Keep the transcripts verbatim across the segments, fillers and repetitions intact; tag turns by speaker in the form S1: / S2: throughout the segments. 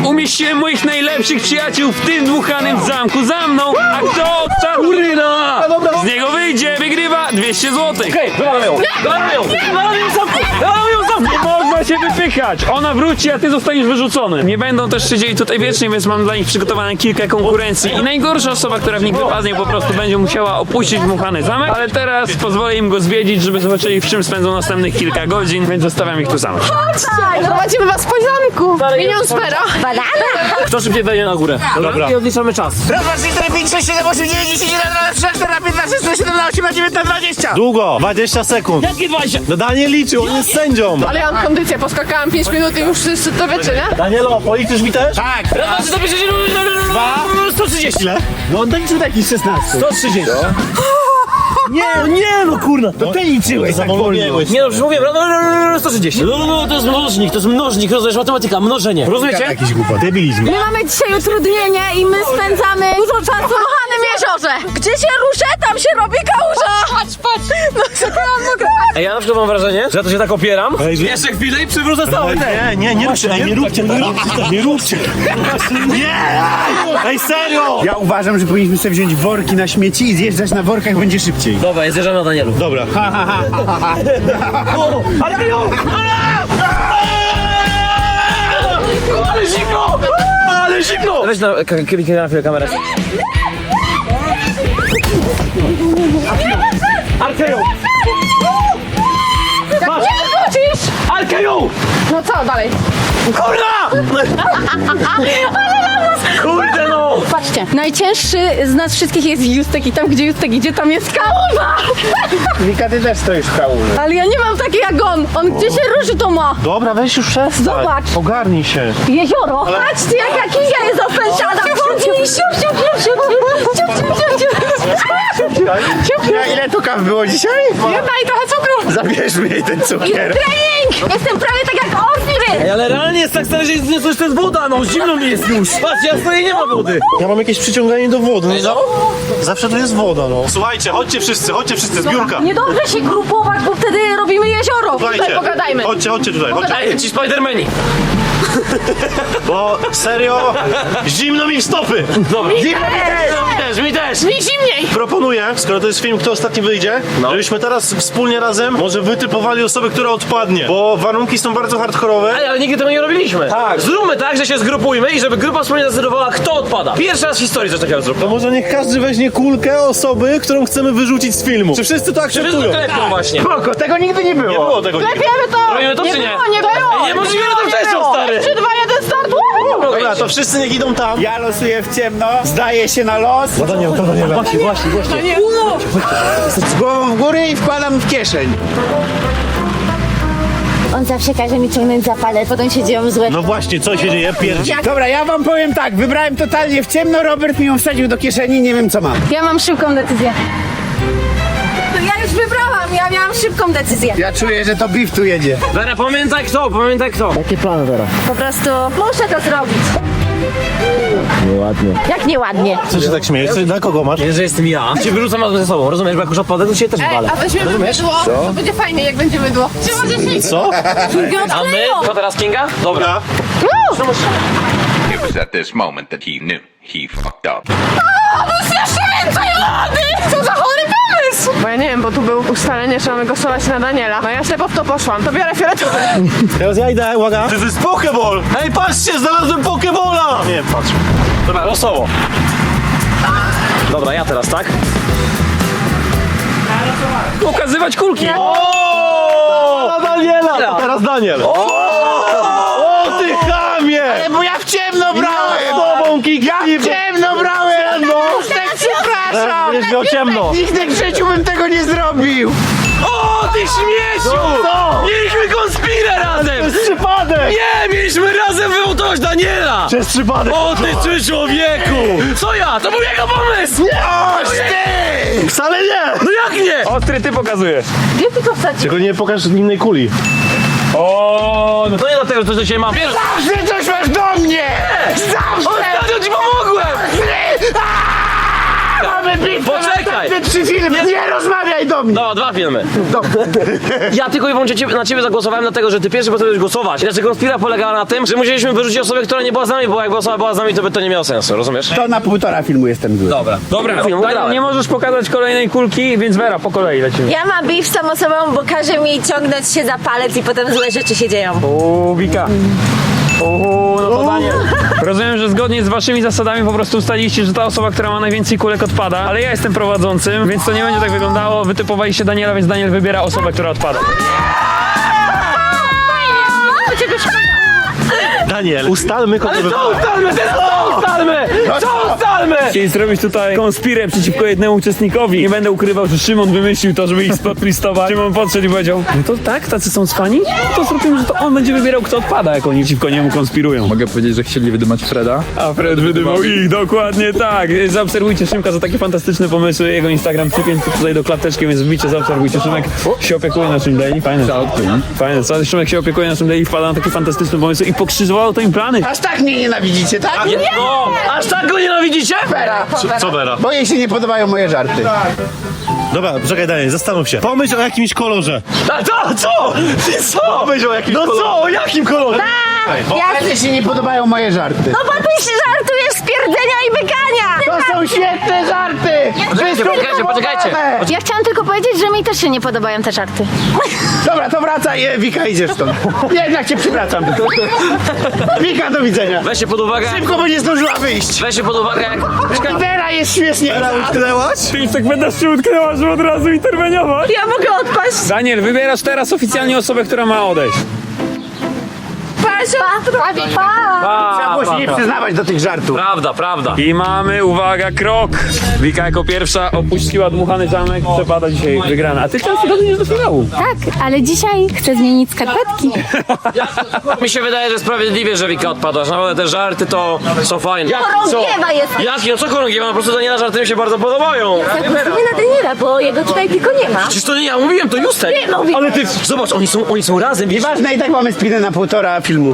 S1: Umieściłem moich najlepszych przyjaciół w tym dmuchanym zamku za mną, a kto ostatni z niego wyjdzie, wygrywa dwieście złotych.
S2: Okej, dawaj ją! Dawaj ją! Dawaj ją zamku! Dawaj ją zamku!
S1: Nie można się wypychać! Ona wróci, a ty zostaniesz wyrzucony. Nie będą też siedzieli tutaj wiecznie, więc mam dla nich przygotowane kilka konkurencji. I najgorsza osoba, która w nich wypadnie, po prostu będzie musiała opuścić dmuchany zamek. Ale teraz pozwolę im go zwiedzić, żeby zobaczyli, w czym spędzą następnych kilka godzin, więc zostawiam ich tu samych.
S3: Prowadzimy was po zamku. Minion Spera. Banana.
S2: Kto szybciej wejdzie na górę? Dobra. I odliczamy czas.
S4: Raz, dwa, trzy, cztery, pięć, sześć, siedem, osiem, dziewięć, dziesięć, jedenaście, dwanaście, czternaście, piętnaście, szesnaście, siedemnaście, osiemnaście, dziewiętnaście, dwadzieścia.
S5: Długo, dwadzieścia sekund.
S2: Jakie dwadzieścia?
S5: No Daniel liczył, on jest sędzią.
S3: Ale ja mam kondycję, poskakałam pięć minut i już wszyscy to wiecie, nie?
S5: Danielo, policzysz mi też?
S4: Tak.
S2: Raz, dwa, trzy, cztery, sto trzydzieści.
S5: Ile? No on liczył taki szesnaście.
S2: sto trzydzieści.
S5: Nie, no nie, no kurna. To ty liczyłeś tak wolno.
S2: Nie no, już mówię, no, no, no, no, sto trzydzieści. No, no, no, to jest mnożnik, to jest mnożnik, rozumiesz, matematyka, mnożenie. Rozumiecie?
S5: Jakiś głupot. Debilizm.
S6: My mamy dzisiaj utrudnienie i my spędzamy dużo czasu w kochanym jeziorze. Gdzie się ruszę, tam się robi kałuża. Patrz, patrz. No zakocham mogę.
S2: Ej, ja na przykład mam wrażenie, że ja to się tak opieram. Jeszcze chwilę i przywrócę cały ten.
S5: Nie, nie, nie róbcie, ej, nie róbcie, nie róbcie, nie róbcie. Nie! Ej, serio!
S4: Ja uważam, że powinniśmy sobie wziąć worki na śmieci i zjeżdżać na workach, będzie szybciej.
S2: Dobra, zjeżdżamy na Danielu.
S5: Dobra.
S2: Ale ją! Ale zimno! Ale zimno! Weź na, kliknij na chwilę kamerę. Arkeją! Masz!
S3: Nie wrócisz!
S2: Arkeją!
S3: No co dalej?
S2: Kurna! Kurde no!
S6: Patrzcie, najcięższy z nas wszystkich jest Justek i tam gdzie Justek idzie, tam jest kałuża.
S4: Wika, ty też stoisz w kałuży.
S6: Ale ja nie mam takiej jak on. On gdzie się ruszy, to ma.
S5: Dobra, weź już przestań.
S6: Zobacz.
S5: Ogarnij się.
S6: Jezioro. Patrzcie, jaka kija jest opęczana.
S4: Ja, ile tu kaw było dzisiaj?
S3: Jedna i trochę cukru.
S4: Zabierzmy jej ten cukier.
S6: Trening! Jestem prawie tak jak Osiris.
S2: Ej, ale realnie jest tak stary, że jest, nie, to jest woda, no zimno mi jest już. Patrz, ja stoję, nie ma wody.
S5: Ja mam jakieś przyciąganie do wody. No, za... Zawsze tu jest woda, no. Słuchajcie, chodźcie wszyscy, chodźcie wszyscy, zbiórka.
S6: Niedobrze się grupować, bo wtedy robimy jezioro.
S5: Słuchajcie,
S3: pogadajmy.
S5: Chodźcie, chodźcie tutaj, chodźcie.
S2: Ej, ci Spidermani.
S5: Bo serio, zimno mi w stopy.
S2: Dobra. Mi też, mi też.
S3: Mi zimniej.
S5: Proponuję, skoro to jest film, kto ostatni wyjdzie, żebyśmy teraz wspólnie razem może wytypowali osobę, która odpadnie. Bo warunki są bardzo hardkorowe.
S2: Ej, ale nigdy tego nie robiliśmy. Tak. Zróbmy tak, że się zgrupujmy i żeby grupa wspólnie zdecydowała, kto odpada. Pierwszy raz w historii coś takiego zróbmy.
S5: To może niech każdy weźmie kulkę osoby, którą chcemy wyrzucić z filmu. Czy wszyscy to
S2: Wszyscy
S5: akceptują?
S2: klepią właśnie.
S4: Spoko, tego nigdy nie było.
S5: Nie było tego nigdy.
S3: Klepiemy to.
S2: Robimy to
S3: nie
S2: czy nie?
S3: było, nie było.
S2: Ej, nie możliwe na to wcześniej, stary.
S3: trzy, dwa, jeden, start.
S5: Dobra, to wszyscy niech idą tam.
S4: Ja losuję w ciemno, zdaję się na los.
S5: To nie, to nie.
S2: Właśnie, właśnie, właśnie.
S4: Z głową w górę i wkładam w kieszeń.
S6: On zawsze każe mi ciągnąć za palec, potem się dzieją złe.
S5: No właśnie, co się dzieje? Pierdzi.
S4: Dobra, ja wam powiem tak, wybrałem totalnie w ciemno, Robert mi ją wsadził do kieszeni, nie wiem co mam.
S6: Ja mam szybką decyzję. No ja już wybrałam, ja miałam szybką decyzję.
S4: Ja czuję, że to beef tu jedzie.
S2: Vera, pamiętaj kto, pamiętaj kto. Jakie plany, Vera?
S6: Po prostu muszę to zrobić.
S5: Nieładnie.
S6: Jak nieładnie.
S5: Co się tak śmiejesz? Dla kogo masz?
S2: Nie, że jestem ja. Cię wyrzucam razem ze sobą, rozumiesz? Bo jak już odpadę, to cię też
S3: Ej,
S2: walę.
S3: a weźmiemy mydło. To będzie fajnie, jak będzie mydło. Czy możesz iść?
S5: Co?
S2: A my? Co teraz, Kinga? Dobra.
S7: It was at this moment that he knew he fucked up.
S3: Jeszcze więcej wody! Co za chory pomysł! Bo ja nie wiem, bo tu był ustalenie, że mamy głosować na Daniela. No ja ślepo w to poszłam, to biorę fioletowy.
S5: Teraz ja idę, uwaga. To jest Pokeball! Ej, patrzcie, znalazłem Pokebola! Nie wiem, patrz.
S2: Dobra, losowo. Dobra, ja teraz, tak?
S1: Pokazywać kulki.
S5: O! Daniela! Teraz Daniel. O! O, ty chamie!
S4: Bo ja w ciemno brałem!
S5: Z tobą, Kiki!
S4: Ja w ciemno brałem! No! Tak przepraszam!
S5: Będziesz miał ciemno.
S4: Nigdy w życiu bym tego nie zrobił!
S2: O, ty śmieciu!
S5: Co?
S2: Mieliśmy konspirę
S5: To
S2: razem!
S5: jest przypadek!
S2: Nie, mieliśmy razem wyłączyć Daniela!
S5: To jest przypadek!
S2: O, ty ty człowieku! Co ja? To był jego pomysł!
S4: Oż ty!
S5: Wcale nie!
S2: No jak nie?
S1: Ostry ty pokazujesz.
S6: Gdzie ty to wsadzisz?
S5: Tylko nie pokaż innej kuli.
S2: O, no to nie dlatego, że coś do ciebie mam. Wiesz,
S4: Zawsze coś masz do mnie! Zawsze!
S2: ostatnio ci pomogłem!
S4: Mamy bitwę!
S2: Poczekaj! Czekaj.
S4: Te trzy filmy, nie rozmawiaj do mnie!
S2: No, dwa filmy. Ja tylko i wyłącznie ciebie, na ciebie zagłosowałem dlatego, że ty pierwszy postanowiłeś głosować. Znaczy konspira polegała na tym, że musieliśmy wyrzucić osobę, która nie była z nami, bo jakby osoba była z nami, to by to nie miało sensu, rozumiesz?
S4: To na półtora filmu jestem zły.
S2: Dobra.
S1: Dobra,
S2: Film
S1: Daniel,
S2: ugrałem.
S1: nie możesz pokazać kolejnej kulki, więc Vera, po kolei lecimy.
S6: Ja mam beef z tą osobą, bo każe mi ciągnąć się za palec i potem złe rzeczy się dzieją.
S1: Uuu, Wika. Uuu, no to Daniel. Rozumiem, że zgodnie z waszymi zasadami po prostu ustaliliście, że ta osoba, która ma najwięcej kulek odpada, ale ja jestem prowadzącym, więc to nie będzie tak wyglądało. Wytypowaliście Daniela, więc Daniel wybiera osobę, która odpada.
S5: Daniel, ustalmy kogo
S2: Ale
S5: wy...
S2: co ustalmy? Teraz co ustalmy? Co ustalmy?
S1: Chcieli zrobić tutaj konspirę przeciwko jednemu uczestnikowi. Nie będę ukrywał, że Szymon wymyślił to, żeby ich spotlistować. Szymon podszedł i powiedział, no to tak, tacy są cwani? No to zrobimy, że to on będzie wybierał, kto odpada, jak oni przeciwko niemu konspirują.
S8: Mogę powiedzieć, że chcieli wydymać Freda?
S1: A Fred wydymał ich, dokładnie tak. Zaobserwujcie Szymka za takie fantastyczne pomysły. Jego Instagram przypięty tutaj do klateczki, więc wbicie, zaobserwujcie. Szymek się opiekuje naszym daily. Fajne. Fajne, co? Szymek się opiekuje naszym daily, wpada na takie fantastyczne pomysły i pokrzyżowało to im plany.
S4: Aż tak mnie nienawidzicie, tak?
S2: Nie. No, aż tak go nienawidzicie?
S4: Vera,
S5: Co Vera?
S4: bo jej się nie podobają moje żarty.
S5: Dobra, czekaj Daniel, zastanów się. Pomyśl o jakimś kolorze.
S2: A co? Co? Ty co?
S5: Pomyśl o jakimś
S2: No
S5: kolorze.
S2: co? O jakim kolorze?
S4: Bo jej się nie podobają moje żarty.
S6: No bo ty się żartujesz z pierdzenia i bykania!
S4: To są świetne żarty!
S2: Poczekajcie, poczekajcie, poczekajcie.
S6: Ja chciałam tylko powiedzieć, że mi też się nie podobają te żarty.
S4: Dobra, to wracaj, e, Wika, idziesz stąd. Jednak cię przywracam. Wika, do widzenia.
S2: Weźcie pod uwagę.
S4: Szybko, bo nie zdążyła wyjść.
S2: Weźcie pod uwagę jak...
S4: Vera jest śmiesznie.
S5: Utknęłaś?
S1: Ty już tak będę się utknęła, żeby od razu interweniować.
S6: Ja mogę odpaść.
S1: Daniel, wybierasz teraz oficjalnie osobę, która ma odejść.
S6: Pa, pa.
S4: Trzeba było się nie przyznawać do tych żartów.
S2: Prawda, prawda.
S1: I mamy, uwaga, krok. Wika jako pierwsza opuściła dmuchany zamek, przepada dzisiaj wygrana. A ty często dochodzisz do finału.
S6: Tak, ale dzisiaj chcę zmienić skarpetki.
S2: Mi się wydaje, że sprawiedliwie, że Wika odpadła. Naprawdę te żarty to są fajne. Jak,
S6: Chorągiewa jest.
S2: Jaki? No co chorągiewa? No po prostu Daniela żarty mi się bardzo podobają.
S6: Zagłosuję na Daniela, bo jego tutaj tylko nie ma.
S2: Przecież to nie ja mówiłem, to Justek.
S6: Nie, no, Wika.
S2: Ale ty, zobacz, oni są, oni są razem, wiesz?
S4: Ważne, i tak mamy spinę na półtora filmu.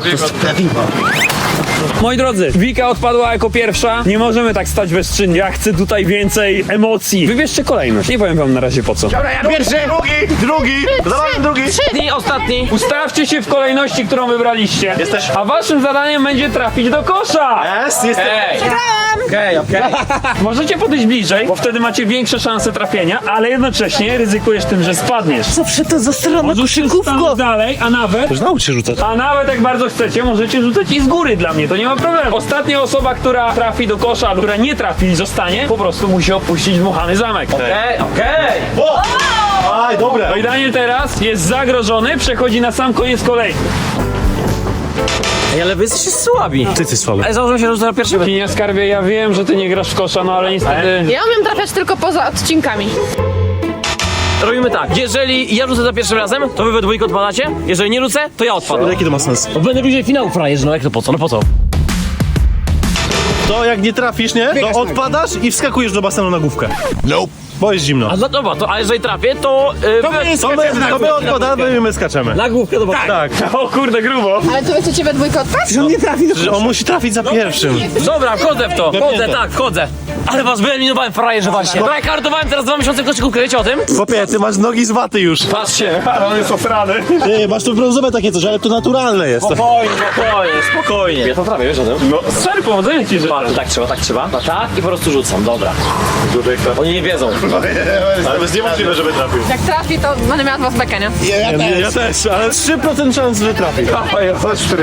S1: Moi drodzy, Wika odpadła jako pierwsza. Nie możemy tak stać bezczynnie. Ja chcę tutaj więcej emocji. Wybierzcie kolejność. Nie powiem wam na razie po co.
S4: Dobra, ja pierwszy.
S5: Drugi, drugi, dawaj drugi.
S2: Ostatni, ostatni.
S1: Ustawcie się w kolejności, którą wybraliście.
S5: Jesteś.
S1: A waszym zadaniem będzie trafić do kosza.
S5: Jest, jest.
S2: Ej. Okej, okej.
S1: Możecie podejść bliżej, bo wtedy macie większe szanse trafienia, ale jednocześnie ryzykujesz tym, że spadniesz.
S3: Zawsze to za stronę
S1: Możecie stanąć dalej, a nawet
S5: Już naucz się rzucać.
S1: A nawet jak bardzo chcecie, możecie rzucać i z góry dla mnie, to nie ma problemu. Ostatnia osoba, która trafi do kosza, lub która nie trafi i zostanie, po prostu musi opuścić dmuchany zamek.
S2: Okej, okej.
S5: Aj, dobre.
S1: No i Daniel teraz jest zagrożony, przechodzi na sam koniec kolei.
S2: Ej, ale wy jesteście słabi.
S5: Ty, ty słaby.
S2: Ale założę się, że to pierwszy.
S1: Kinia Skarbie, ja wiem, że ty nie grasz w kosza, no ale niestety...
S3: Ja umiem trafiać tylko poza odcinkami.
S2: Robimy tak, jeżeli ja rzucę za pierwszym razem, to wy we dwójkę odpadacie. Jeżeli nie rzucę, to ja odpadam.
S5: Jaki to ma sens?
S2: Bo będę bliżej finału, frajerze, no jak to po co? No po co?
S5: To jak nie trafisz, nie? To odpadasz i wskakujesz do basenu na główkę. Nope. Bo jest zimno.
S2: A no dobra, to, a jeżeli trafię, to... Yy,
S4: To my
S5: To my,
S4: skaczemy na
S5: to my
S4: górę.
S5: odpadamy i my skaczemy.
S2: na główkę, dobra.
S5: Tak.
S1: O kurde, grubo.
S3: Ale to wy chcecie we dwójkę odpaść?
S4: Że on nie trafi do
S5: Że on musi trafić za pierwszym.
S2: Dobra, wchodzę w to, wchodzę, tak, wchodzę. Ale was wyeliminowałem, frajerze, właśnie. Dobra, kartowałem teraz dwa miesiące w koszykówkę, wiecie o tym?
S5: Chłopie, ty masz nogi z waty już.
S2: Patrzcie.
S1: Ale on jest osrany.
S5: Ty, masz tu brązowe takie coś, ale to naturalne jest.
S2: Spokojnie, spokojnie, spokojnie. Ja to trafię, wiesz o tym?
S1: No, sorry, powodzenia ci życzę.
S2: Patrz, tak trzeba, tak trzeba. No tak i po prostu rzucam, dobra. Oni nie wiedzą.
S5: Ale to jest niemożliwe, żeby trafił.
S3: Jak trafi, to będę miała dwa z beka, nie?
S5: Ja, ja, ja też, ale trzy procent szans, że trafi.
S4: Chodź, który.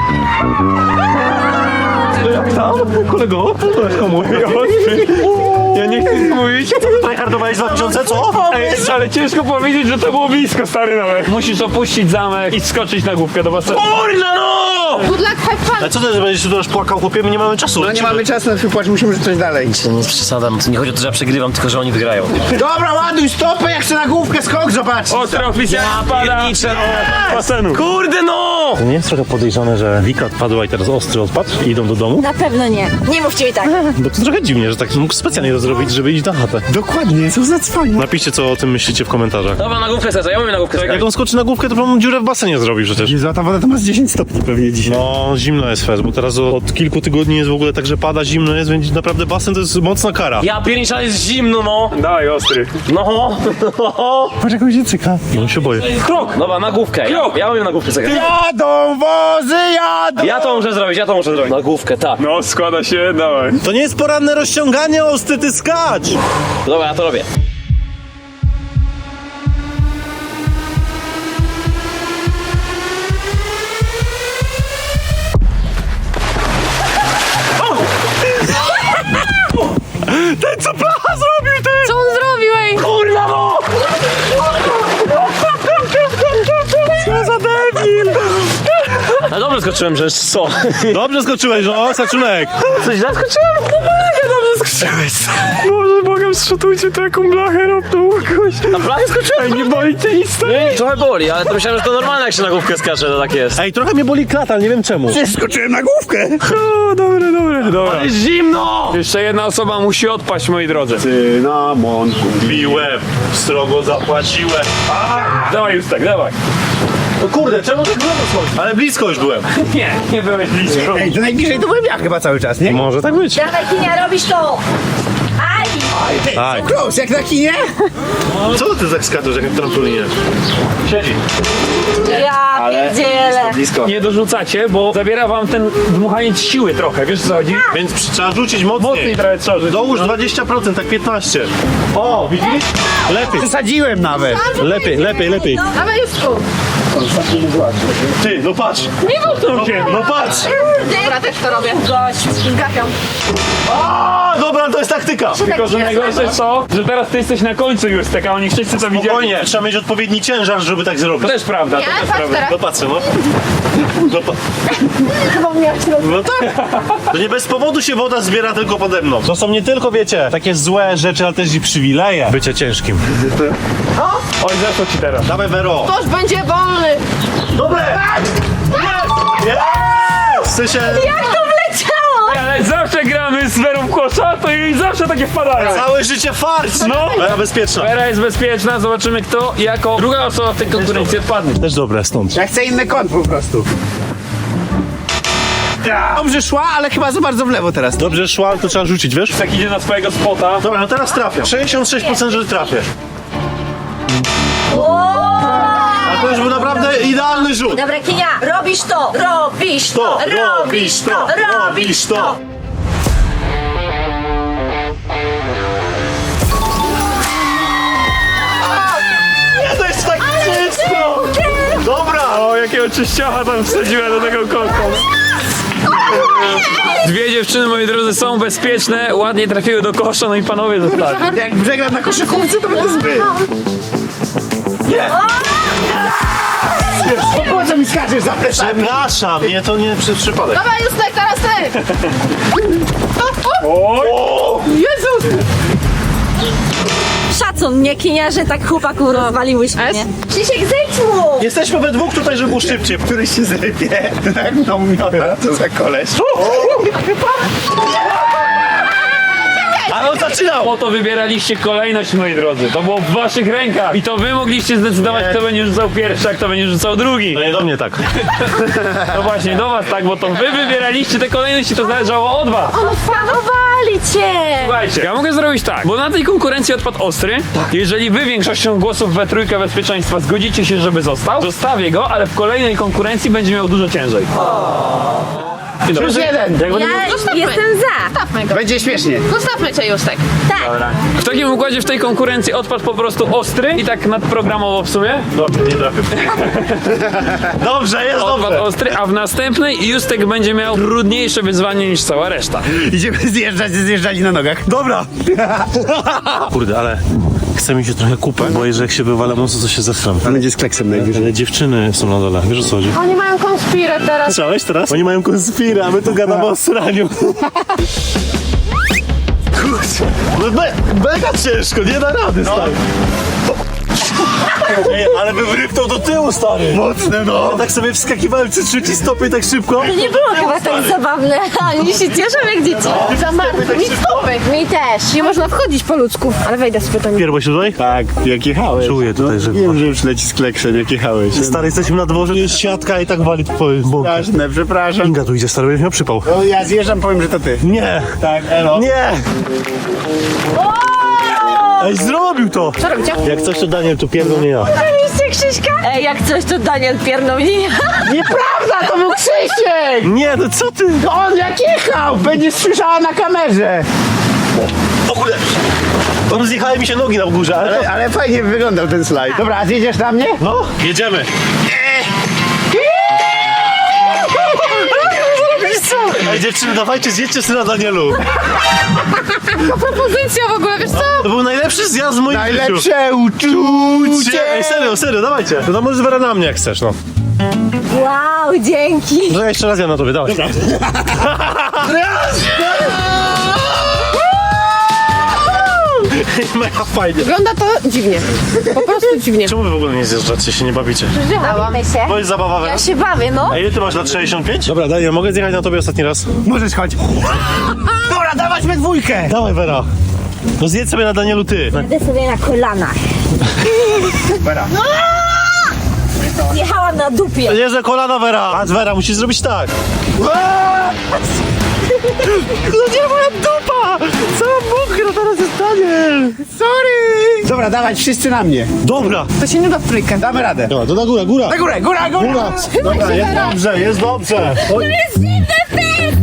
S5: Kolego, komu?
S1: Ja nie chcę mówić.
S5: Tryhardowałeś dwa tysiące, co?
S1: Ej, ale ciężko powiedzieć, że to było blisko, stary nawet. Musisz opuścić zamek i skoczyć na główkę do basenu.
S5: Kurna no!
S3: Good luck, have fun!
S5: A co ty, że będziesz tu teraz płakał, chłopie? My nie mamy czasu.
S4: No nie mamy czasu na twój płacz, musimy rzucać dalej.
S2: To nie jest przesada, to nie chodzi o to, że ja przegrywam, tylko że oni wygrają.
S4: Dobra, ładuj stopę, jak chcę na główkę skok, zobacz.
S1: Ostro oficjalnie spada do basenu.
S2: Kurde no!
S5: To nie jest trochę podejrzane, że Wika odpadła i teraz ostry odpadł i idą do domu?
S6: Na pewno nie. Nie mówcie mi tak.
S5: Bo to trochę dziwnie, że tak mógł specjalnie to zrobić, żeby iść na chatę.
S4: Dokładnie, co za cwanie.
S5: Napiszcie, co o tym myślicie w komentarzach.
S2: Dobra, na główkę serca, ja umiem na główkę
S5: Jak
S2: serca.
S5: on skoczy na główkę, to pewną dziurę w basenie zrobi przecież.
S4: Jezu, a ta woda to ma z dziesięć stopni pewnie dzisiaj.
S5: No, zimno jest fest, bo teraz od, od kilku tygodni jest w ogóle tak, że pada, zimno jest, więc naprawdę basen to jest mocna kara.
S2: Ja pierniczę, jest zimno, no!
S1: Dawaj, ostry.
S2: No!
S4: Patrz jak on się cyka.
S5: On się boję.
S1: Krok!
S2: Dobra, na główkę. Ja, ja umiem na główkę serca.
S4: Jadą wozy, jadą!
S2: Ja to muszę zrobić, ja to muszę zrobić. Na główkę, tak.
S1: No, składa się, dawaj.
S5: To nie jest poranne rozciąganie, ostry, ty skacz!
S2: Dobra, ja to robię.
S5: Ten co placha zrobił, ty!
S3: Co on zrobił, ej?
S2: Kurna no!
S5: Co za debil!
S2: No dobrze skoczyłem, że co?
S5: Dobrze skoczyłeś, no, Saczunek!
S2: Coś źle skoczyłem?
S1: Boże, Bogiem, zszutujcie to jaką blachę robną kogoś.
S2: Na blachę skoczyłem?
S1: Ej, nie boli cię nic?
S2: Nie, trochę boli, ale to myślałem, że to normalne, jak się na główkę skacze, to tak jest.
S5: Ej, trochę mnie boli klata, ale nie wiem czemu.
S4: Skoczyłem na główkę.
S1: O, dobre, dobre, dobra.
S2: Jest zimno!
S1: Jeszcze jedna osoba musi odpaść, moi drodzy.
S4: Cynamon.
S5: Biłem, strogo zapłaciłem.
S1: Dawaj, Justek, dawaj.
S5: No kurde, czemu tak blisko schodzi? Ale blisko już byłem.
S1: Nie, nie byłeś blisko.
S4: Ej, to najbliżej to byłem ja chyba cały czas, nie?
S5: Może tak być.
S6: Dawaj, Kinia, robisz to! Aj!
S5: Aj.
S4: Close, jak na kinie?
S5: Co ty tak skaczesz, jak na trampolinie?
S1: Siedzi.
S6: Ja pierdzielę.
S4: Blisko.
S1: Nie dorzucacie, bo zabiera wam ten dmuchaniec siły trochę, wiesz co chodzi?
S5: Więc przy- trzeba rzucić mocniej.
S1: Mocniej trochę trzeba rzucić.
S5: Dołóż dwadzieścia procent, tak piętnaście. O, widzisz? Lepiej,
S4: Przesadziłem nawet.
S5: lepiej, lepiej, lepiej.
S3: Dawaj, Jusku!
S5: Ty, no patrz.
S1: Nie dotknął cię.
S5: No patrz.
S3: Dobra, też to robię. Gość. Gapiam.
S5: A, dobra, to jest taktyka.
S1: Tylko, że najgorsze co? Że teraz ty jesteś na końcu Justek, a oni wszyscy to widzieli.
S5: Spokojnie, trzeba mieć odpowiedni ciężar, żeby tak zrobić.
S1: To też prawda, to
S3: Ja,
S1: też
S3: patrz
S1: prawda.
S3: teraz.
S5: No patrzę, no. No, pa... no tak. To nie bez powodu się woda zbiera tylko pode mną. To są nie tylko, wiecie, takie złe rzeczy, ale też i przywileje bycia ciężkim.
S1: Oj, zeszło ci teraz.
S5: Dawaj, Vero.
S3: Ktoś będzie wolny!
S5: Dobre! Jest! Jest! W sensie...
S6: Jak to wleciało?
S1: Ale zawsze gramy z Werą w kosza, to jej zawsze takie wpadają.
S5: Całe życie farc!
S1: No.
S5: Vera bezpieczna.
S1: Vera jest bezpieczna, zobaczymy kto jako druga osoba w tej konkurencji odpadnie.
S5: Też dobre stąd.
S4: Ja chcę inny kąt po prostu. Dobrze szła, ale chyba za bardzo w lewo teraz.
S5: Dobrze szła, ale to trzeba rzucić, wiesz?
S1: Jak idzie na swojego spota,
S5: Dobra, no teraz trafię. sześćdziesiąt sześć procent, że trafię. A to już był naprawdę idealny rzut.
S6: Dobra, Kinia, robisz to! Robisz to!
S5: To,
S6: Robisz to! Robisz to!
S5: Nie, to jest tak czysto! Dobra!
S1: o jakiego czyściocha tam wsadziła do tego kąta. Dwie dziewczyny, moi drodzy, są bezpieczne, ładnie trafiły do kosza, no i panowie zostali.
S4: Jak przegram na koszykówce, to będę zbyt. Nie! Po co mi skaczesz za plecami?
S5: Przepraszam, nie, to nie przez przypadek.
S3: Dawaj, Justek, teraz ty!
S1: Oj!
S3: Jezus!
S6: Szacun, nie Kinia, że tak chłopaku rozwaliłyśmy, nie? Krzysiek, zejdź mu!
S5: Jesteśmy we dwóch tutaj, żeby było szybciej.
S4: Któryś się zrypie. Tak mną miota, co za koleś.
S5: Ale on zaczynał!
S1: Po to wybieraliście kolejność, moi drodzy. To było w waszych rękach. I to wy mogliście zdecydować, kto będzie rzucał pierwszy, a kto będzie rzucał drugi.
S5: No nie do mnie tak.
S1: No właśnie, do was tak, bo to wy wybieraliście te kolejności, to zależało od was.
S6: Odpanowali cię!
S1: Słuchajcie, ja mogę zrobić tak, bo na tej konkurencji odpadł Ostry. Jeżeli wy większością głosów we trójkę bezpieczeństwa zgodzicie się, żeby został, zostawię go, ale w kolejnej konkurencji będzie miał dużo ciężej. I dobra.
S4: Plus jeden.
S1: Jak będę
S6: Ja
S3: Zostawmy.
S6: jestem za.
S3: Zostawmy go.
S4: Będzie śmiesznie.
S3: Zostawmy cię, Justek.
S1: W takim układzie w tej konkurencji odpadł po prostu ostry i tak nadprogramowo w sumie.
S5: Dobrze, nie trafię. Dobrze, jest
S1: Odpadł
S5: dobrze.
S1: ostry, a w następnej Justek będzie miał trudniejsze wyzwanie niż cała reszta.
S4: Idziemy zjeżdżać, zjeżdżali na nogach.
S5: Dobra. Kurde, ale chce mi się trochę kupę, bo jeżeli jak się wywalę mocno, to się zesram.
S4: Będzie z kleksem najwyżej.
S5: Ale dziewczyny są na dole, wiesz o co chodzi?
S3: Oni mają konspirę teraz.
S5: Słyszałeś teraz? Oni mają konspirę, a my tu gadamy o sraniu. Kurczę, no me, mega ciężko, nie da rady, stary. Ej, ale bym rypnął do tyłu, stary. Mocne, no. Ja tak sobie wskakiwałem przy trzeci stopień tak szybko.
S6: Nie było chyba tak zabawne. Oni się cieszą jak dzieci.
S3: Za martwy. Mi stopy.
S6: Mi też.
S3: Nie można wchodzić po ludzku. Ale wejdę z pytaniem.
S5: Pierwo się tutaj?
S4: Tak, jak jechałeś.
S5: Czuję tutaj, że...
S4: Wiem, że już leci z kleksem, jak jechałeś.
S5: Stary, jesteśmy na dworze, jest siatka i tak wali po bąkę.
S4: Straszne, przepraszam.
S5: Inga tu idzie, stary, będziesz miał przypał.
S4: No, ja zjeżdżam, powiem, że to ty.
S5: Nie!
S4: Tak, elo.
S5: Nie! Ej, zrobił to!
S3: Co robicie?
S5: Jak coś, to Daniel tu pierdol, nie ja.
S6: Widzicie Krzyśka? Ej, jak coś to Daniel piernął nie ja.
S4: Nieprawda, to był Krzysiek!
S5: Nie, no co ty?
S4: To on jak jechał, będziesz słyszała na kamerze.
S5: O kurde! Rozjechały mi się nogi na górze, ale...
S4: Ale, ale fajnie wyglądał ten slajd. Dobra, a zjedziesz na mnie?
S5: No, jedziemy. Ej, dziewczyny, dawajcie, zjedźcie sobie na Danielu.
S3: Propozycja w ogóle, wiesz co?
S5: To był najlepszy zjazd w moim życiu.
S4: Najlepsze uczucie!
S5: Ej, serio, serio, dawajcie. No to możesz Wera na mnie, jak chcesz, no.
S6: Wow, dzięki.
S5: No ja jeszcze raz ja na tobie, dawaj. Mega fajnie.
S3: Wygląda to dziwnie. Po prostu dziwnie.
S5: Czemu wy w ogóle nie zjeżdżacie, się nie bawicie?
S6: Bawimy się.
S5: To jest zabawa, Wera?
S6: Ja się bawię, no.
S5: A ile ty masz lat sześćdziesiąt pięć? Dobra, Daniel, mogę zjechać na tobie ostatni raz?
S4: Możesz chodź. Dobra, dawać we dwójkę.
S5: Dawaj, Wera. No zjedź sobie na Danielu ty.
S6: Idę sobie na kolanach.
S4: Dobra.
S6: Jechałam na dupie.
S5: Nie, że kolana, Wera. Patrz, Wera, musisz zrobić tak. No nie, moja dupa! Cała mokra teraz jest Daniel.
S4: Sorry. Dobra, dawać wszyscy na mnie.
S5: Dobra.
S3: To się nie da w trójkę.
S4: Damy radę.
S5: Dobra, to na górę, góra.
S4: Na górę, góra, góra.
S5: Góra. Dobra, jest dobrze, jest dobrze. Oj.
S6: Jest dziwny fest!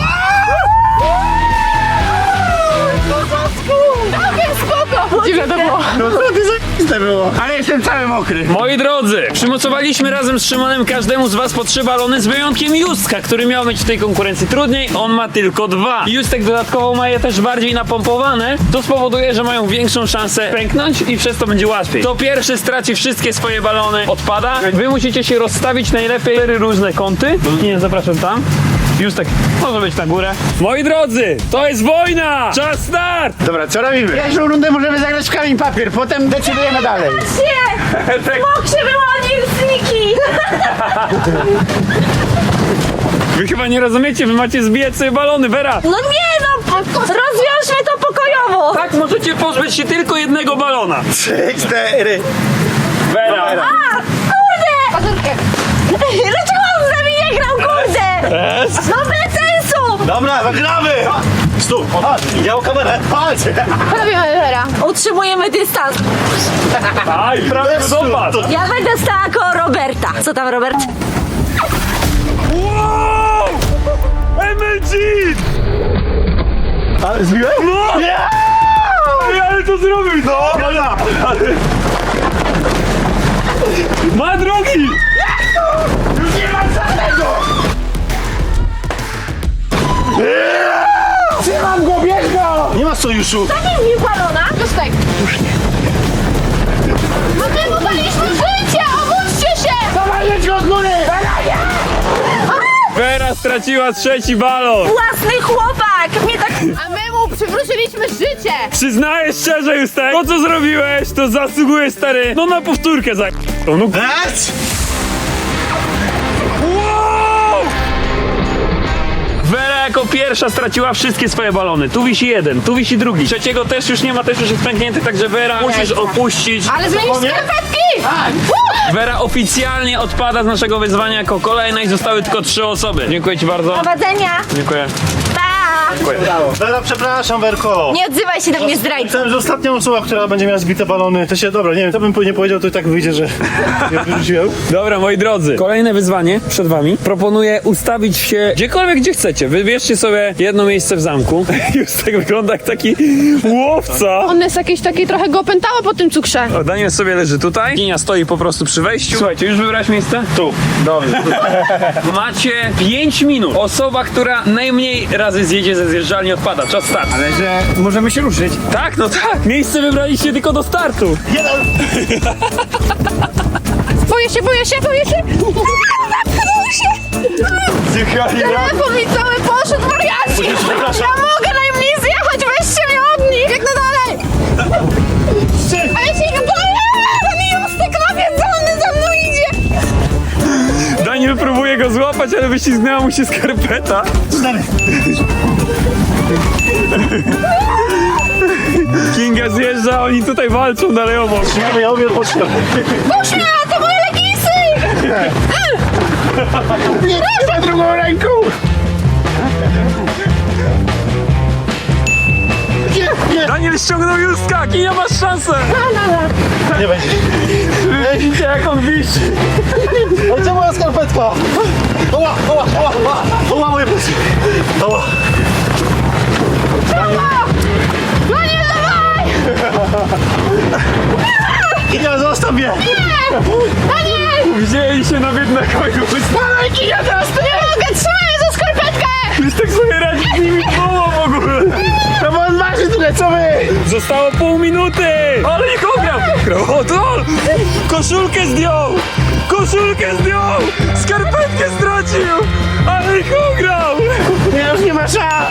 S3: Całkiem spoko. Dziwne to było.
S4: No co ty za to było? Ale jestem cały mokry.
S1: Moi drodzy, przymocowaliśmy razem z Szymonem każdemu z was po trzy balony, z wyjątkiem Justka, który miał mieć w tej konkurencji trudniej, on ma tylko dwa. Justek dodatkowo ma je też bardziej napompowane, to spowoduje, że mają większą szansę pęknąć i przez to będzie łatwiej. Kto pierwszy straci wszystkie swoje balony, odpada. Wy musicie się rozstawić najlepiej cztery różne kąty. Nie, zapraszam tam. Justek może być na górę. Moi drodzy, to jest wojna! Czas start!
S4: Dobra, co robimy? Pierwszą rundę możemy zagrać w kamień papier, potem decydujemy dalej.
S6: Nie!
S1: Tak.
S6: Mok się wyłonił z Niki!
S1: Wy chyba nie rozumiecie, wy macie zbijać sobie balony, Vera!
S6: No nie no! Rozwiążmy to pokojowo!
S1: Tak możecie pozbyć się tylko jednego balona.
S4: Trzy, cztery.
S1: Vera!
S6: A! Kurde! Dlaczego on z nami nie grał, kurde? No bez sensu!
S5: Dobra, zagramy! Stóp, chodź, idzie o kamerę. Chodź!
S3: Robimy Vera.
S6: Utrzymujemy dystans.
S1: Aj, prawie dopadł!
S6: Ja będę stała koło Roberta. Co tam, Robert?
S1: Wow! M L G!
S5: Ale zbiłeś?
S1: No!
S5: Nie!
S1: Ej, ale to zrobił, no!
S5: Dobra!
S1: Ma drogi!
S4: Już nie mam żadnego! Trzymam go, bierz go!
S5: Nie ma sojuszu!
S6: Nie mi balona.
S3: Justek. Już nie. No my mu daliśmy życie! Obudźcie się!
S4: Dawaj, jedź go od góry!
S1: Vera straciła trzeci balon!
S6: Własny chłopak! Mnie tak...
S3: A my mu przywróciliśmy życie!
S1: Przyznaję szczerze, Justek, to co zrobiłeś, to zasługuje, stary, no na powtórkę za... No, no.
S5: Eć!
S1: Wow! Vera jako pierwsza straciła wszystkie swoje balony. Tu wisi jeden, tu wisi drugi. Trzeciego też już nie ma, też już jest pęknięty, także Vera musisz opuścić.
S3: Ale zmienić skarpetki!
S1: Vera oficjalnie odpada z naszego wyzwania jako kolejna i zostały tylko trzy osoby. Dziękuję ci bardzo.
S6: Prowadzenia!
S1: Dziękuję.
S6: Pa!
S5: Wera, przepraszam, Werko.
S6: Nie odzywaj się do mnie, zdrajco.
S5: Myślałem, że ostatnia osoba, która będzie miała zbite balony, to się, dobra, nie wiem, to bym nie powiedział, to i tak wyjdzie, że ja wyrzuciłem.
S1: Dobra, moi drodzy, kolejne wyzwanie przed wami. Proponuję ustawić się gdziekolwiek, gdzie chcecie. Wybierzcie sobie jedno miejsce w zamku. Już tak wygląda jak taki łowca.
S3: On jest jakiś taki, trochę go opętało po tym cukrze.
S1: O, Daniel sobie leży tutaj. Kinia stoi po prostu przy wejściu. Słuchajcie, już wybrałeś miejsce?
S5: Tu.
S1: Dobrze. Macie pięć minut. Osoba, która najmniej razy zjedzie ze zjeżdżalni, odpada. Czas start.
S4: Ale że możemy się ruszyć.
S1: Tak, no tak. Miejsce wybraliście tylko do startu.
S3: Boję się, boję się, boję się. Zatknął się. Telefon mi cały poszedł, wariaci. Ja mogę najmniej zjechać, weźcie mnie od nich. Biegnę dalej. A ja się go boję. Ten Justek nawiedzony za mną idzie.
S1: Daniel próbuje go złapać, ale wyślizgnęła mu się skarpeta. Kinga zjeżdża, oni tutaj walczą dalej obok.
S5: Ja, ja umiem pocztę.
S3: Puść mnie, to moje leginsy.
S4: Nie za drugą ręką!
S1: Daniel ściągnął Justka, Kinia, masz szansę.
S5: Nie będzie.
S1: Widzicie jak on wisi.
S5: Ale gdzie moja skarpetka? Oła, oła, oła, oła, oła, moje plecy. Oła.
S3: No nie, dawaj.
S5: Kinia, zostaw mnie.
S3: Daniel.
S1: Wzięli się na jednego i
S3: Dawaj, Kinia, teraz to nie mogę, trzymaj za skarpetkę.
S1: Justek sobie radzi z nimi dwoma w ogóle.
S4: No bo on waży tyle co my!
S1: Zostało pół minuty! Ale ich ograł! O, to! Koszulkę zdjął! Koszulkę zdjął! Skarpetkę stracił! Ale ich ograł!
S4: Ja już nie ma szans!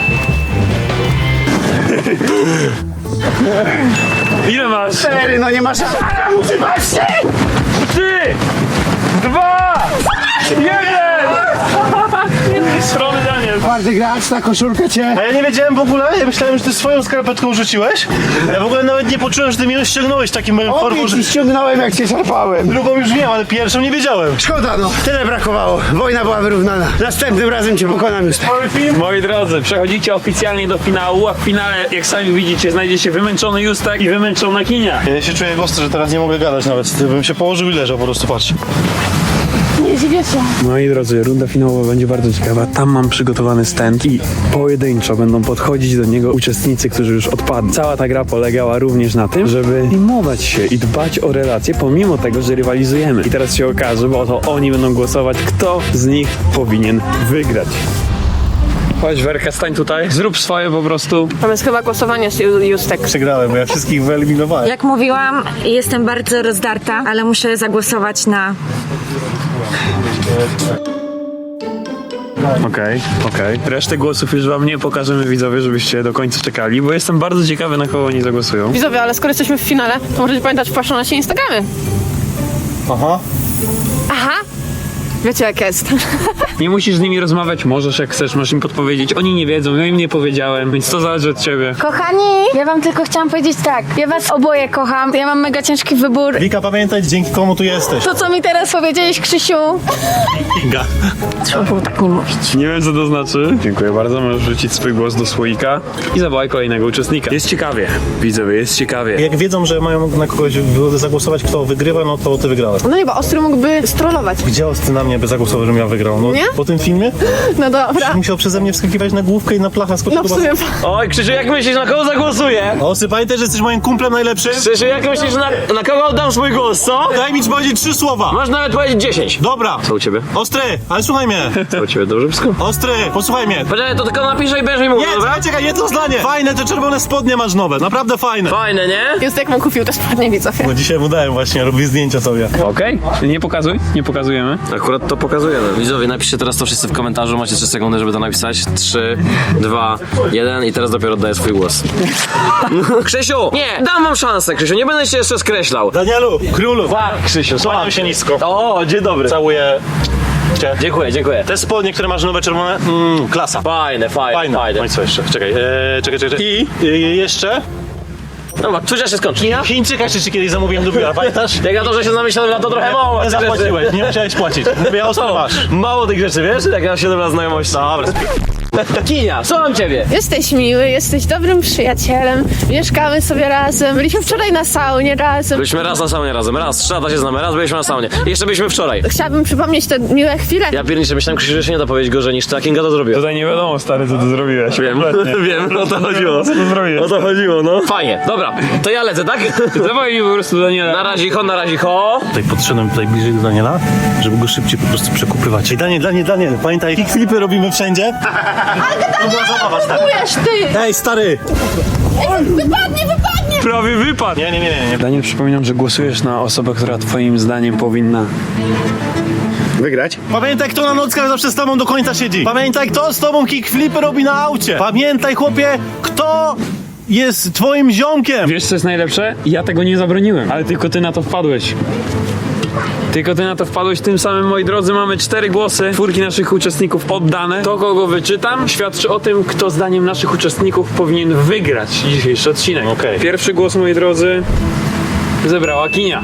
S1: Ile masz?
S4: Cztery, no nie ma szans! Ale muszę patrzeć!
S1: Trzy! Dwa! Jeden! Strony Daniel!
S4: Twardy gracz, ta koszulka cię...
S5: A ja nie wiedziałem w ogóle, ja myślałem, że ty swoją skarpetką rzuciłeś. Ja w ogóle nawet nie poczułem, że ty mi ją ściągnąłeś takim moim formą,
S4: Obie
S5: że...
S4: ci ściągnąłem jak cię szarpałem.
S5: Drugą już wiem, ale pierwszą nie wiedziałem.
S4: Szkoda no, tyle brakowało. Wojna była wyrównana. Następnym razem cię pokonam już.
S1: Moi drodzy, przechodzicie oficjalnie do finału, a w finale, jak sami widzicie, znajdzie się wymęczony Justek i wymęczona Kinia.
S5: Ja się czuję ostro, że teraz nie mogę gadać nawet. Bym się położył i leżał po prostu, patrz.
S3: Nie dziwię się.
S1: Moi drodzy, runda finałowa będzie bardzo ciekawa. Tam mam przygotowany stand i pojedynczo będą podchodzić do niego uczestnicy, którzy już odpadli. Cała ta gra polegała również na tym, żeby filmować się i dbać o relacje, pomimo tego, że rywalizujemy. I teraz się okaże, bo to oni będą głosować, kto z nich powinien wygrać. Chodź, Werka, stań tutaj. Zrób swoje po prostu.
S3: Tam jest chyba głosowanie z Ju- Justek.
S5: Przegrałem, bo ja wszystkich wyeliminowałem.
S6: Jak mówiłam, jestem bardzo rozdarta, ale muszę zagłosować na...
S1: Okej, okej. Resztę głosów już wam nie pokażemy, widzowie, żebyście do końca czekali, bo jestem bardzo ciekawy, na kogo oni zagłosują.
S3: Widzowie, ale skoro jesteśmy w finale, to możecie pamiętać, wpatrzą na się Instagramy.
S5: Aha.
S3: Aha. Wiecie jak jest.
S1: Nie musisz z nimi rozmawiać, możesz jak chcesz, możesz im podpowiedzieć. Oni nie wiedzą, ja im nie powiedziałem, więc to zależy od ciebie.
S6: Kochani, ja wam tylko chciałam powiedzieć tak. Ja was oboje kocham. Ja mam mega ciężki wybór.
S5: Wika, pamiętaj, dzięki komu tu jesteś.
S6: To, co mi teraz powiedziałeś, Krzysiu.
S5: Kinga.
S6: Trzeba było tak nie mówić.
S1: Nie wiem, co to znaczy. Dziękuję bardzo, możesz wrzucić swój głos do słoika i zawołaj kolejnego uczestnika. Jest ciekawie, widzowie, jest ciekawie.
S5: Jak wiedzą, że mają na kogoś zagłosować, kto wygrywa, no to ty wygrałeś.
S3: No nie, bo Ostry mógłby strollować.
S5: Gdzie Ostry na mnie by zagłosował, żebym ja wygrał? No,
S3: Nie?
S5: po tym filmie?
S3: No dobra.
S5: Musiał przeze mnie wskakiwać na główkę i na plachę skoczyć
S3: No w
S5: do
S3: sumie...
S5: basenu.
S2: Oj, Krzysiu, jak myślisz, na kogo zagłosuję?
S5: Ostry, pamiętaj, że jesteś moim kumplem najlepszym?
S2: Krzysiu, jak myślisz, na, na kogo oddam swój głos, co?
S5: Daj mi powiedzieć trzy słowa.
S2: Masz nawet powiedzieć dziesięć.
S5: Dobra.
S2: Co u ciebie?
S5: Ostry, ale słuchaj mnie.
S2: Co u ciebie, dobrze wszystko?
S5: Ostry, posłuchaj mnie.
S2: Poczekaj, to tylko napiszę i będziesz mi mówił,
S5: Nie,
S2: dobra?
S5: czekaj, czekaj, jedno zdanie. Fajne, te czerwone spodnie masz nowe, naprawdę fajne.
S2: Fajne, nie?
S3: Justek mu kupił te spodnie, widzowie.
S5: Bo dzisiaj mu dałem właśnie, robię zdjęcia sobie.
S1: Okej, nie pokazuj, nie pokazujemy.
S2: Akurat to pokazujemy. Widzowie, napiszcie teraz to wszyscy w komentarzu, macie trzy sekundy, żeby to napisać. trzy, dwa, jeden i teraz dopiero oddaję swój głos. Krzysiu! Nie! Dam wam szansę, Krzysiu, nie będę się jeszcze skreślał.
S5: Danielu, królu,
S2: Tak, Krzysiu,
S5: kłaniam się nisko.
S2: O, dzień dobry.
S5: Całuję cię.
S2: Dziękuję, dziękuję.
S5: Te spodnie, które masz nowe czerwone, mm, klasa.
S2: Fajne, fajne,
S5: Fajne.
S2: fajne.
S5: No i co jeszcze? Czekaj, eee, czekaj, czekaj. I e, jeszcze
S2: Dobra, cóż się skończy?
S5: Chińczyka jeszcze ci kiedyś zamówiłem do biura, pamiętasz?
S2: Jak na to, że się zamyślałem, na to trochę mało.
S5: Nie
S2: tych rzeczy.
S5: zapłaciłeś, nie musiałeś płacić. Mówię, ostro masz.
S2: Mało tych rzeczy, wiesz? Jak na siedem lat znajomości.
S5: Dobra,
S2: Kinia, słucham ciebie.
S3: Jesteś miły, jesteś dobrym przyjacielem, mieszkamy sobie razem, byliśmy wczoraj na saunie razem.
S2: Byliśmy raz na saunie razem, raz, trzy lata się znamy, raz byliśmy na saunie. I jeszcze byliśmy wczoraj.
S3: Chciałabym przypomnieć te miłe chwile.
S2: Ja pierniczę, myślałem, Krzysiu, że się nie da powiedzieć gorzej niż ta Kinga to zrobiła.
S1: Tutaj nie wiadomo, stary, co ty zrobiłeś.
S2: Wiem, wiem, o to chodziło.
S1: Co ty zrobiłeś?
S2: O to chodziło, no. Fajnie, dobra, to ja lecę, tak?
S1: Dawaj mi po prostu Daniela.
S2: Na razie ho, na razie ho.
S5: Tutaj podszedłem tutaj bliżej do Daniela, żeby go szybciej po prostu przekupywać. Ej, Daniel, Daniel, Daniel, pamiętaj, kickflipy robimy wszędzie. To była zabawa, stary.
S3: Czujesz ty!
S5: Ej, stary!
S3: Wypadnie, wypadnie!
S1: Prawie wypadł.
S5: Nie, nie, nie, nie. nie.
S1: Daniel, przypominam, że głosujesz na osobę, która twoim zdaniem powinna...
S4: Wygrać?
S5: Pamiętaj, kto na nockach zawsze z tobą do końca siedzi. Pamiętaj, kto z tobą kickflipy robi na aucie. Pamiętaj, chłopie, kto jest twoim ziomkiem.
S1: Wiesz, co jest najlepsze? Ja tego nie zabroniłem, ale tylko ty na to wpadłeś. Tylko ty na to wpadłeś, tym samym, moi drodzy, mamy cztery głosy, czwórki naszych uczestników oddane. To, kogo wyczytam, świadczy o tym, kto zdaniem naszych uczestników powinien wygrać dzisiejszy odcinek.
S5: Okej.
S1: Pierwszy głos, moi drodzy, zebrała Kinia.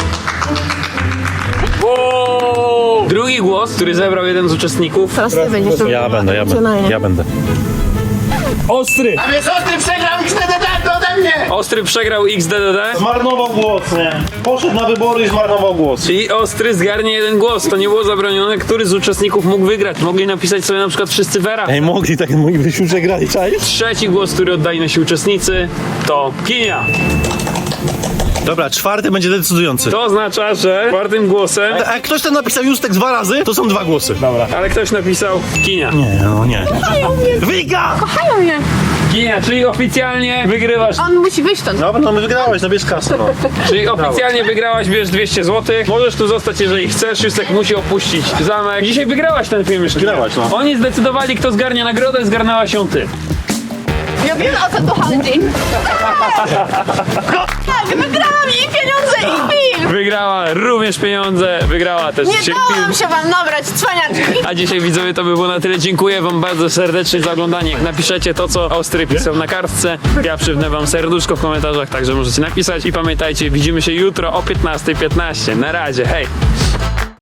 S1: Wow! Drugi głos, który zebrał jeden z uczestników,
S3: Teraz ty będziesz robił
S5: Ja będę, ja będę, ja będę.
S1: Ostry.
S4: A wiesz, o tym przegrał X D D D ode mnie!
S1: Ostry przegrał X D D D.
S5: Zmarnował głos, nie? Poszedł na wybory i zmarnował głos.
S1: Czyli Ostry zgarnie jeden głos, to nie było zabronione. Który z uczestników mógł wygrać? Mogli napisać sobie na przykład wszyscy Vera.
S5: Ej, mogli, tak moglibyśmy przegrali, czaisz?
S1: Trzeci głos, który oddają nasi uczestnicy, to Kinia.
S5: Dobra, czwarty będzie decydujący.
S1: To oznacza, że czwartym głosem,
S5: A jak ktoś ten napisał Justek dwa razy, to są dwa głosy. Dobra.
S1: ale ktoś napisał Kinia.
S5: Nie, no nie. Wika!
S3: Kochają mnie.
S1: Kinia, czyli oficjalnie wygrywasz.
S3: On musi wyjść stąd.
S5: Dobra, no wygrałeś, no bierz kasę, no.
S1: Czyli oficjalnie wygrałaś, bierz dwieście złotych. Możesz tu zostać, jeżeli chcesz. Justek musi opuścić zamek. Dzisiaj wygrałaś ten film już.
S5: Wygrałaś, no.
S1: Oni zdecydowali, kto zgarnia nagrodę, zgarnęłaś ją ty.
S3: Ja wiem, o co tu chodzi. Tak, wygrałam i pieniądze i film.
S1: Wygrała również pieniądze, wygrała też
S3: Nie
S1: dzisiaj
S3: dałam
S1: film.
S3: się wam nabrać, cwaniaczki.
S1: A dzisiaj, widzowie, to by było na tyle. Dziękuję wam bardzo serdecznie za oglądanie. Napiszecie to, co Ostry pisał na kartce. Ja przywnę wam serduszko w komentarzach, także możecie napisać. I pamiętajcie, widzimy się jutro o piętnastej piętnaście. Na razie, hej!